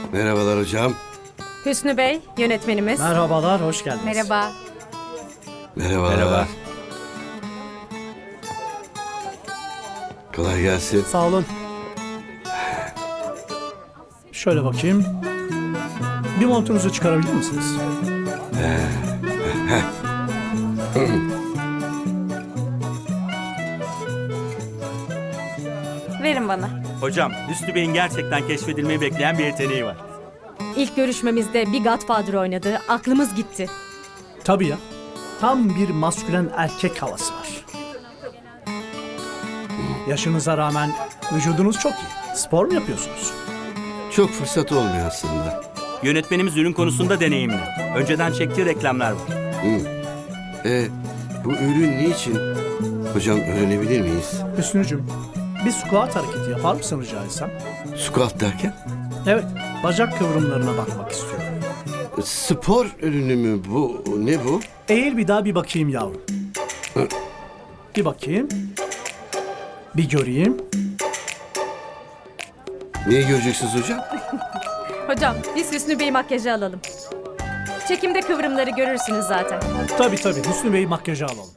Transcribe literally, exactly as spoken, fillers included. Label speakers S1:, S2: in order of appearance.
S1: Merhabalar hocam.
S2: Hüsnü Bey, yönetmenimiz.
S3: Merhabalar, hoş geldiniz.
S2: Merhaba.
S1: Merhabalar.
S3: Merhaba.
S1: Kolay gelsin.
S3: Sağ olun. Şöyle bakayım. Bir montunuzu çıkarabilir misiniz?
S2: Verin bana.
S4: Hocam, Hüsnü Bey'in gerçekten keşfedilmeyi bekleyen bir yeteneği var.
S2: İlk görüşmemizde bir Godfather oynadı. Aklımız gitti.
S3: Tabii ya. Tam bir maskülen erkek havası var. Yaşınıza rağmen vücudunuz çok iyi. Spor mu yapıyorsunuz?
S1: Çok fırsat olmuyor aslında.
S4: Yönetmenimiz ürün konusunda deneyimli. Önceden çektiği reklamlar var.
S1: E, bu ürün niçin? Hocam öğrenebilir miyiz?
S3: Hüsnücüm, bir squat hareketi yapar mısın rica etsem?
S1: Squat derken?
S3: Evet, bacak kıvrımlarına bakmak istiyorum.
S1: Spor ürünü mü bu? Ne bu?
S3: Eğil bir daha bir bakayım yavrum. Bir bakayım. Bir göreyim.
S1: Neyi göreceksiniz hocam?
S2: Hocam, biz Hüsnü Bey makyajı alalım. Çekimde kıvrımları görürsünüz zaten.
S3: Tabii tabii, Hüsnü Bey makyajı alalım.